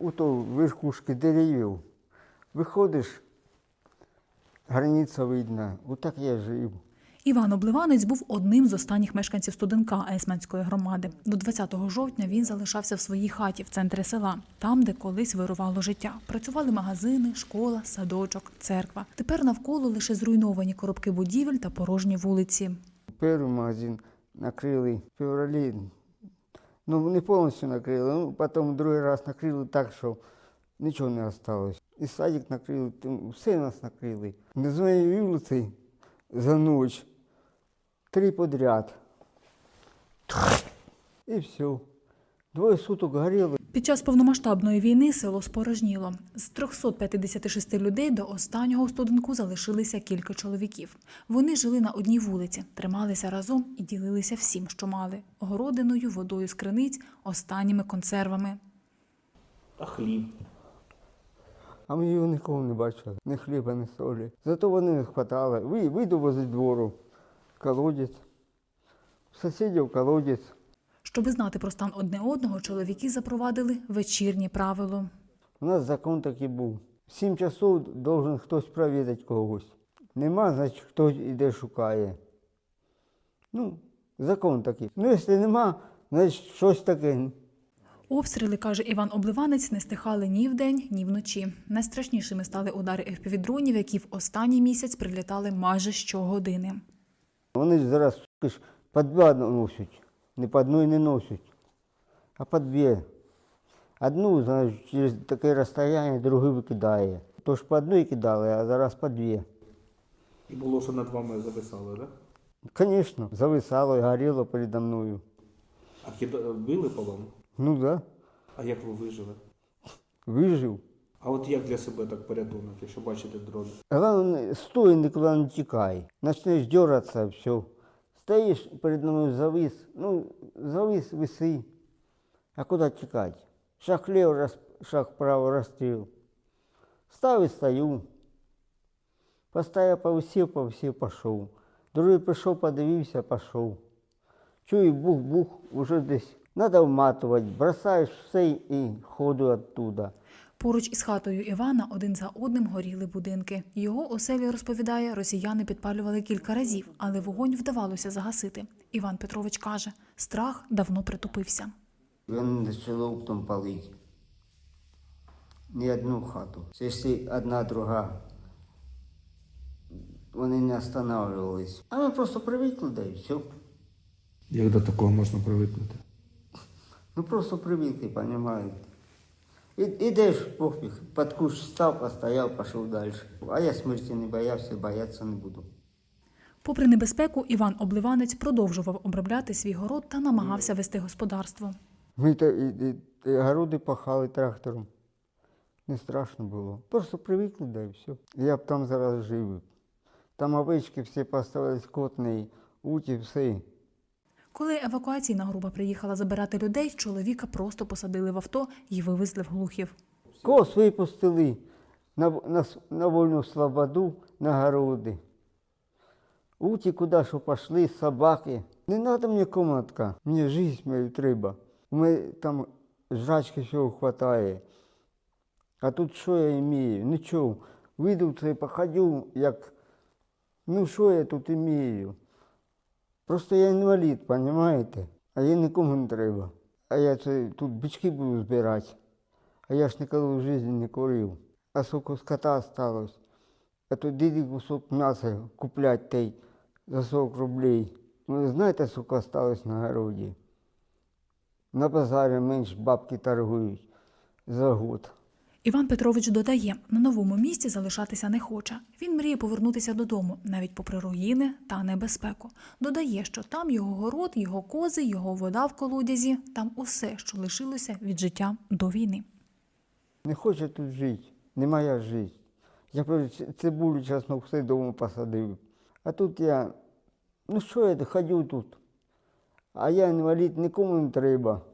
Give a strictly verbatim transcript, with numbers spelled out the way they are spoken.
у то верхушки деревів. Виходиш, границя видна. Отак я жив. Іван Обливанець був одним з останніх мешканців Студенка Есменської громади. До двадцятого жовтня він залишався в своїй хаті в центрі села, там, де колись вирувало життя. Працювали магазини, школа, садочок, церква. Тепер навколо лише зруйновані коробки будівель та порожні вулиці. Перший магазин накрили в февралі. Ну, не повністю накрили, ну, потім другий раз накрили так, що нічого не залишилось. І садик накрили, все нас накрили. На своїй вулиці за ніч три подряд. І все. Двоє суток горіло. Під час повномасштабної війни село спорожніло. З трьохсот п'ятдесяти шести людей до останнього у Студенку залишилися кілька чоловіків. Вони жили на одній вулиці, трималися разом і ділилися всім, що мали. Городиною, водою з криниць, останніми консервами. А хліб? А ми його нікого не бачили. Ні хліба, ні солі. Зато вони не хватало. Ви, вийду возле двору, колодязь. Сусідів колодязь. Щоби знати про стан одне одного, чоловіки запровадили вечірнє правило. У нас закон такий був. В сім часов должен хтось провідати когось. Нема, значить хтось іде шукає. Ну, закон такий. Ну, якщо нема, значить щось таке. Обстріли, каже Іван Обливанець, не стихали ні вдень, ні вночі. Найстрашнішими стали удари еф пі ві-дронів, які в останній місяць прилітали майже щогодини. Вони ж зараз ж, по два носять. Не по одній не носять, а по дві. Одну, значить, через таке розстояння, другу викидає. Тож по одній кидали, а зараз по дві. І було, що над вами зависало, так? Звісно, зависало і горіло передо мною. А кида... били по вам? Ну так, да, А як ви вижили? вижив. А от як для себе так порятунок, якщо бачите дрон? Головне, стой, нікуди не тікай. Почнеш дергатися, все. Стоїш перед мною завис, ну, завис, виси. А куди тікати? Шаг вліво, шаг вправо, розстріл. Став і стою. Постояв, повисів, повисів, пішов. Другий прийшов, подивився, пішов. Чую, бух-бух, уже десь. Надо вматувати, бросаєш все і ходу оттуда. Поруч із хатою Івана один за одним горіли будинки. Його оселю, розповідає, росіяни підпалювали кілька разів, але вогонь вдавалося загасити. Іван Петрович каже, страх давно притупився. Він почало оптом палити. Не одну хату. Якщо одна, друга, вони не останавливались. А ми просто привикли, да і все. Як до такого можна привикнути? Ну просто привикли, розумієте. І, ідеш, пофіг, під кущ став, постояв, пішов далі. А я смерті не боявся, боятися не буду. Попри небезпеку, Іван Обливанець продовжував обробляти свій город та намагався вести господарство. Ми та, і, і, і городи пахали трактором. Не страшно було. Просто привикли, да і все. Я б там зараз жив. Там овечки всі поставили скотні, уті, все. Коли евакуаційна група приїхала забирати людей, чоловіка просто посадили в авто і вивезли в Глухів. Кос випустили на, на, на вольну свободу, на городи. Уті куди що пішли, собаки. Не треба мені комнатка, мені життя мою треба. У мене там жрачки всього вистачає. А тут що я маю? Нічого. Вийду це, походю, як, ну що я тут маю? Просто я інвалід, розумієте? А я нікому не треба. А я це, тут бички буду збирати. А я ж ніколи в житті не курив. А скільки скота залишилось. А то діді кусок м'яса купляти той за сорок рублей. Ви знаєте, скільки залишилось на городі? На базарі менше бабки торгують за год. Іван Петрович додає, на новому місці залишатися не хоче. Він мріє повернутися додому, навіть попри руїни та небезпеку. Додає, що там його город, його кози, його вода в колодязі, там усе, що лишилося від життя до війни. Не хочу тут жити, не моя життя. Я цибулю, чеснок, все вдома посадив. А тут я, ну що я ходю тут? А я інвалід, нікому не треба.